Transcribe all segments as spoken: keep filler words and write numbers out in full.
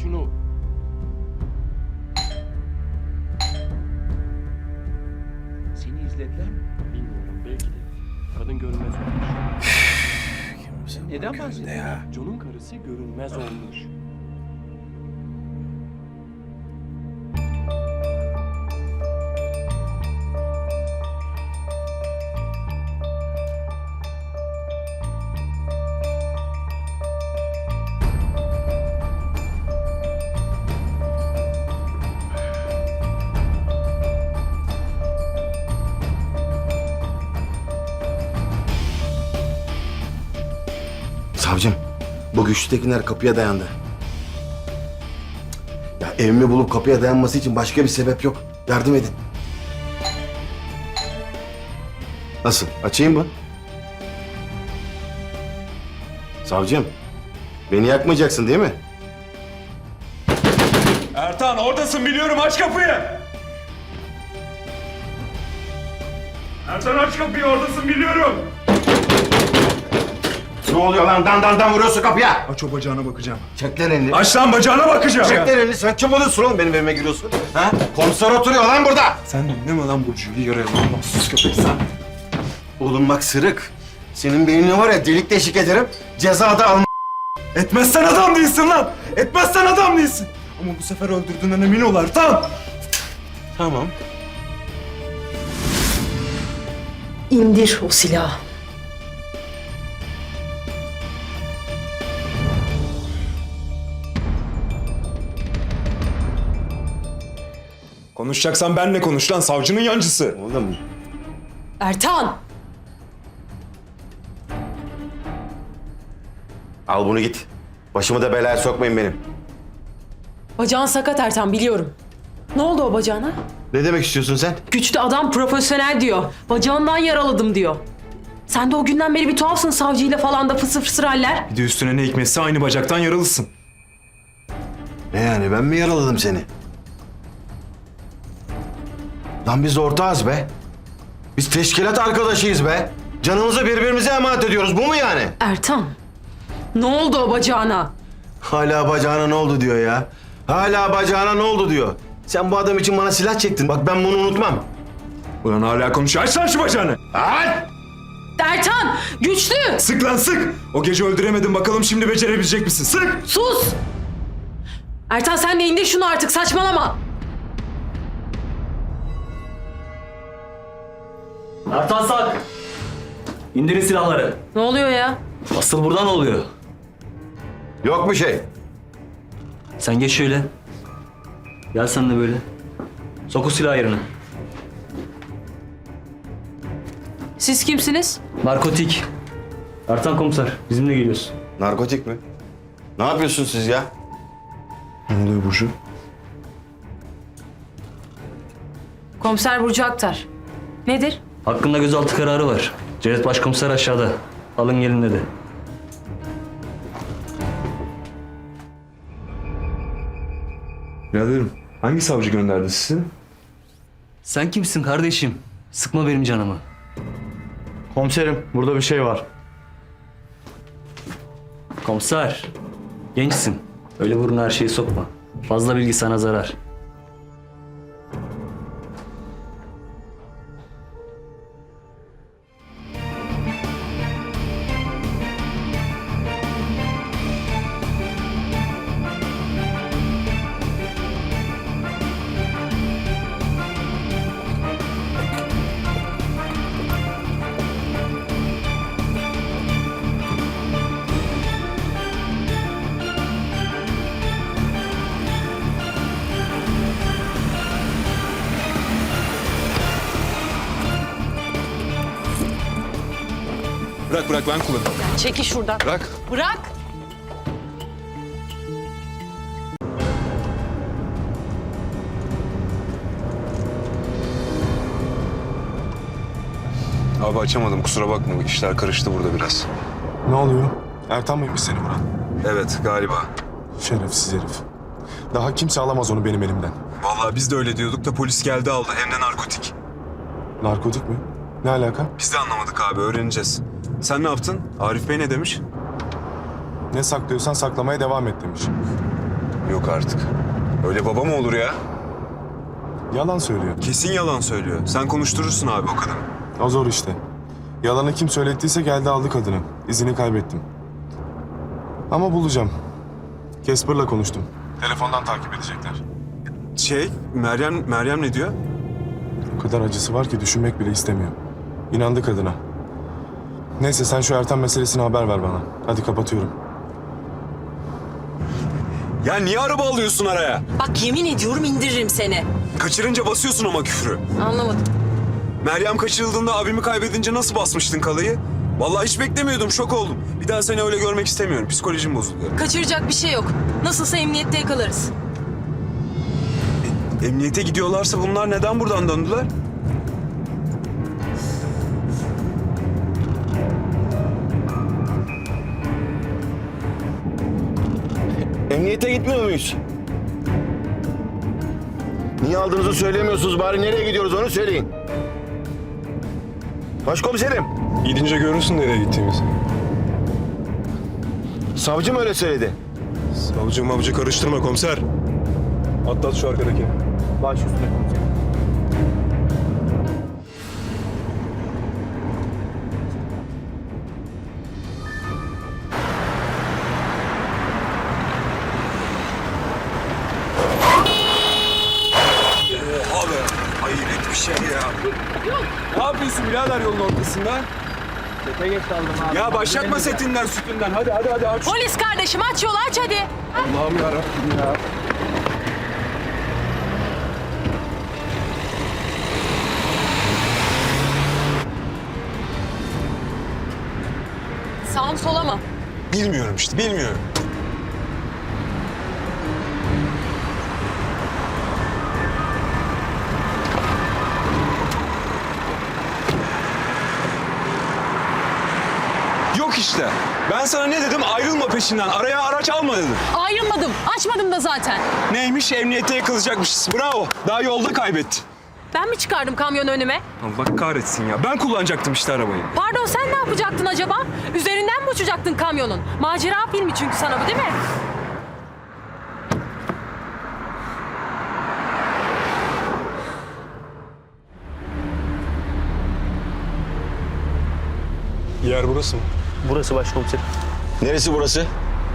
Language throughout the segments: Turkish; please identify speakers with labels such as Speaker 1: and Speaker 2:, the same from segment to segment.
Speaker 1: şunu. Seni izlediler mi? Bilmiyorum, belki de. Kadın görünmez olmuş. Neden bahsediyorsun? John'un karısı görünmez olmuş.
Speaker 2: Savcım, bu güçlü tekinler kapıya dayandı. Ya evimi bulup kapıya dayanması için başka bir sebep yok. Yardım edin. Nasıl? Açayım mı? Savcım, beni yakmayacaksın değil mi?
Speaker 3: Ertan oradasın biliyorum, aç kapıyı. Ertan aç kapıyı, oradasın biliyorum.
Speaker 2: Ne oluyor lan? Dan dan dan vuruyorsun kapıya.
Speaker 3: Aç o bacağına bakacağım.
Speaker 2: Çek lan elini.
Speaker 3: Aç lan bacağına bakacağım.
Speaker 2: Çek lan elini. Sen kim oluyorsun oğlum benim evime giriyorsun? Ha? Komiser oturuyor lan burada.
Speaker 3: Sen dinleme lan Burcu'yu, yaraya lan. Sus köpek sen.
Speaker 2: Oğlum bak Sırık. Senin beynini var ya delik deşik ederim. Cezada alma.
Speaker 3: Etmezsen adam değilsin lan. Etmezsen adam değilsin. Ama bu sefer öldürdüğünden emin ol Ertan.
Speaker 2: Tamam.
Speaker 4: İndir o silahı.
Speaker 3: Konuşacaksan benle konuş lan, savcının yancısı.
Speaker 2: Oğlum.
Speaker 4: Ertan!
Speaker 2: Al bunu git. Başımı da belaya sokmayın benim.
Speaker 4: Bacağın sakat Ertan, biliyorum. Ne oldu o bacağına?
Speaker 2: Ne demek istiyorsun sen?
Speaker 4: Güçlü adam profesyonel diyor. Bacağından yaraladım diyor. Sen de o günden beri bir tuhafsın, savcıyla falan da fısır fısır haller.
Speaker 3: Bir de üstüne ne hikmetse aynı bacaktan yaralısın.
Speaker 2: Ne yani ben mi yaraladım seni? Lan biz ortağız be. Biz teşkilat arkadaşıyız be. Canımızı birbirimize emanet ediyoruz. Bu mu yani?
Speaker 4: Ertan, ne oldu o bacağına?
Speaker 2: Hala bacağına ne oldu diyor ya. Hala bacağına ne oldu diyor. Sen bu adam için bana silah çektin. Bak ben bunu unutmam.
Speaker 3: Ulan hala konuşuyor. Aç lan şu bacağını.
Speaker 2: Aç!
Speaker 4: Ertan, güçlü!
Speaker 3: Sık lan sık. O gece öldüremedin, bakalım şimdi becerebilecek misin? Sık.
Speaker 4: Sus! Ertan sen de indir şunu artık, saçmalama.
Speaker 5: Ertan Sak! İndirin silahları.
Speaker 4: Ne oluyor ya?
Speaker 5: Asıl buradan oluyor.
Speaker 2: Yok bir şey.
Speaker 5: Sen geç şöyle. Gel sen de böyle. Sok o silahı yerine.
Speaker 4: Siz kimsiniz?
Speaker 5: Narkotik. Ertan komiser, bizimle geliyorsun.
Speaker 2: Narkotik mi? Ne yapıyorsun siz ya?
Speaker 3: Ne oluyor Burcu?
Speaker 4: Komiser Burcu Aktar. Nedir?
Speaker 5: Hakkında gözaltı kararı var. Cevdet Başkomiser aşağıda. Alın gelin dedi.
Speaker 3: Biraderim, hangi savcı gönderdi sizi?
Speaker 5: Sen kimsin kardeşim? Sıkma benim canımı.
Speaker 6: Komiserim, burada bir şey var.
Speaker 5: Komiser, gençsin. Öyle burun her şeyi sokma. Fazla bilgi sana zarar.
Speaker 3: Bırak bırak, ben kullanırım.
Speaker 4: Çekil şuradan.
Speaker 3: Bırak.
Speaker 4: Bırak!
Speaker 7: Abi açamadım, kusura bakma. İşler karıştı burada biraz.
Speaker 8: Ne oluyor? Ertan mıymış seni vuran?
Speaker 7: Evet, galiba.
Speaker 8: Şerefsiz herif. Daha kimse alamaz onu benim elimden.
Speaker 7: Vallahi biz de öyle diyorduk da polis geldi aldı. Hem de narkotik.
Speaker 8: Narkotik mi? Ne alaka?
Speaker 7: Biz de anlamadık abi, öğreneceğiz. Sen ne yaptın? Arif Bey ne demiş?
Speaker 8: Ne saklıyorsan saklamaya devam et demiş.
Speaker 7: Yok artık. Öyle baba mı olur ya?
Speaker 8: Yalan söylüyor.
Speaker 7: Kesin yalan söylüyor. Sen konuşturursun abi o kadını.
Speaker 8: O zor işte. Yalanı kim söylettiyse geldi aldı kadını. İzini kaybettim. Ama bulacağım. Casper'la konuştum. Telefondan takip edecekler.
Speaker 7: Şey, Meryem, Meryem ne diyor?
Speaker 8: O kadar acısı var ki düşünmek bile istemiyor. İnandı kadına. Neyse sen şu Ertan meselesine haber ver bana. Hadi kapatıyorum.
Speaker 7: Ya niye araba alıyorsun araya?
Speaker 4: Bak yemin ediyorum indiririm seni.
Speaker 7: Kaçırınca basıyorsun ama küfrü.
Speaker 4: Anlamadım.
Speaker 7: Meryem kaçırıldığında abimi kaybedince nasıl basmıştın kalayı? Vallahi hiç beklemiyordum, şok oldum. Bir daha seni öyle görmek istemiyorum. Psikolojim bozuluyor.
Speaker 4: Kaçıracak bir şey yok. Nasılsa emniyette yakalarız.
Speaker 7: Emniyete gidiyorlarsa bunlar neden buradan döndüler?
Speaker 2: Emniyete gitmiyor muyuz? Niye aldığınızı söylemiyorsunuz? Bari nereye gidiyoruz onu söyleyin. Başkomiserim.
Speaker 8: Gidince görürsün nereye gittiğimizi.
Speaker 2: Savcı mı öyle söyledi?
Speaker 8: Savcı mavcı karıştırma komiser. Atlat şu arkadaki.
Speaker 6: Baş üstüne komiserim.
Speaker 7: Oha be! Hayret bir şey ya. Ne yapıyorsun birader yolun ortasında?
Speaker 6: Sete geç kaldım abi.
Speaker 7: Ya başlatma setinden, sütünden. Hadi hadi hadi aç.
Speaker 4: Polis kardeşim aç yolu aç hadi.
Speaker 7: Allah'ım yarabbim ya.
Speaker 4: Sağ mı sola mı?
Speaker 7: Bilmiyorum işte, bilmiyorum. Yok işte. Ben sana ne dedim? Ayrılma peşinden. Araya araç alma dedim.
Speaker 4: Ayrılmadım. Açmadım da zaten.
Speaker 7: Neymiş? Emniyete yakılacakmışız. Bravo. Daha yolda kaybetti.
Speaker 4: Ben mi çıkardım kamyonu önüme?
Speaker 7: Allah kahretsin ya. Ben kullanacaktım işte arabayı.
Speaker 4: Pardon sen ne yapacaktın acaba? Üzerinden mi uçacaktın kamyonun? Macera filmi çünkü sana bu değil mi?
Speaker 8: Yer burası mı?
Speaker 6: Burası başkomiserim.
Speaker 2: Neresi burası?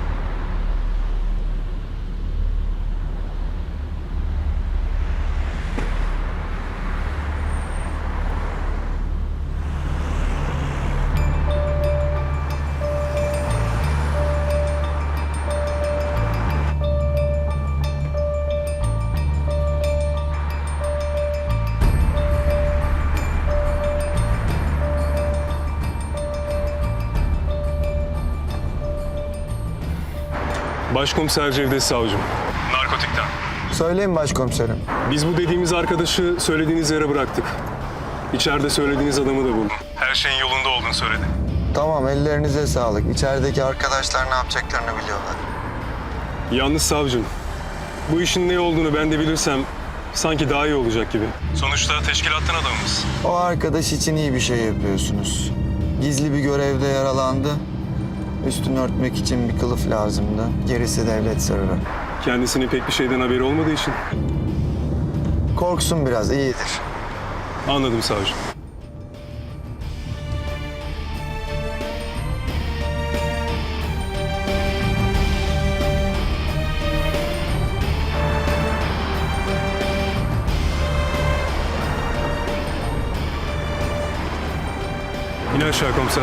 Speaker 8: Başkomiser Cevdet Savcım. Narkotikten.
Speaker 9: Söyleyin başkomiserim.
Speaker 8: Biz bu dediğimiz arkadaşı söylediğiniz yere bıraktık. İçeride söylediğiniz adamı da buldum. Her şeyin yolunda olduğunu söyledi.
Speaker 9: Tamam, ellerinize sağlık. İçerideki arkadaşlar ne yapacaklarını biliyorlar.
Speaker 8: Yalnız savcım, bu işin ne olduğunu ben de bilirsem sanki daha iyi olacak gibi. Sonuçta teşkilattan adamımız.
Speaker 9: O arkadaş için iyi bir şey yapıyorsunuz. Gizli bir görevde yaralandı. Üstünü örtmek için bir kılıf lazımdı. Gerisi devlet sırrı.
Speaker 8: Kendisinin pek bir şeyden haberi olmadığı için.
Speaker 9: Korksun biraz, iyidir.
Speaker 8: Anladım savcım. İn aşağı komiser.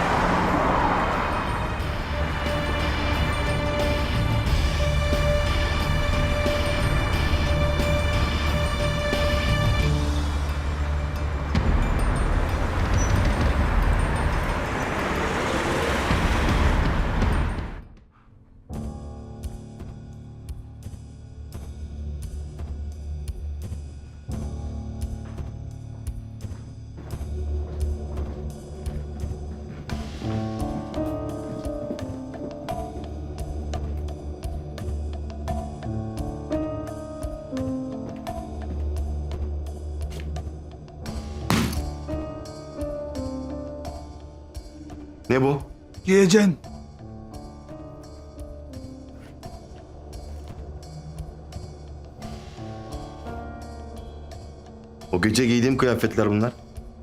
Speaker 2: Ne bu?
Speaker 3: Yiyeceksin.
Speaker 2: O gece giydiğim kıyafetler bunlar.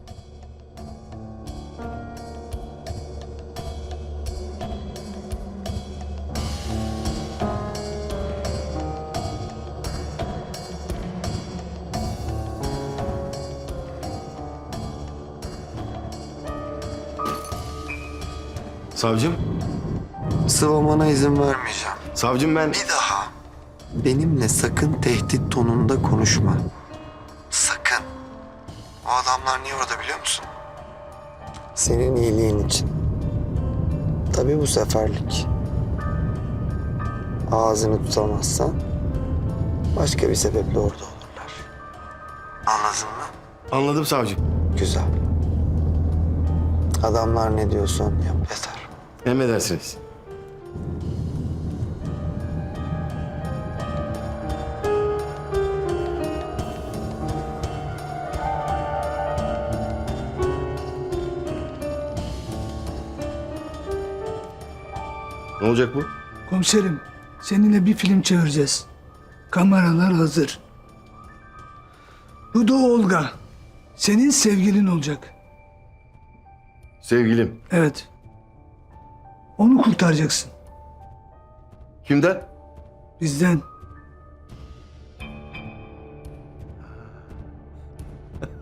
Speaker 2: Savcım,
Speaker 9: Sıvamana izin vermeyeceğim.
Speaker 2: savcım ben...
Speaker 9: Bir daha benimle sakın tehdit tonunda konuşma. Sakın. O adamlar niye orada biliyor musun? Senin iyiliğin için. Tabii bu seferlik. Ağzını tutamazsan başka bir sebeple orada olurlar. Anladın mı?
Speaker 2: Anladım savcım.
Speaker 9: Güzel. Adamlar ne diyorsa onu yap yeter.
Speaker 2: Emredersiniz. Ne olacak bu?
Speaker 10: Komiserim, seninle bir film çevireceğiz. Kameralar hazır. Bu da Olga. Senin sevgilin olacak.
Speaker 2: Sevgilim.
Speaker 10: Evet. Onu kurtaracaksın.
Speaker 2: Kimden?
Speaker 10: Bizden.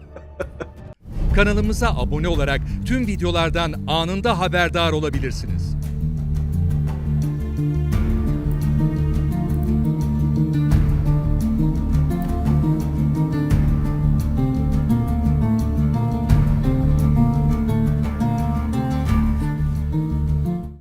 Speaker 11: Kanalımıza abone olarak tüm videolardan anında haberdar olabilirsiniz.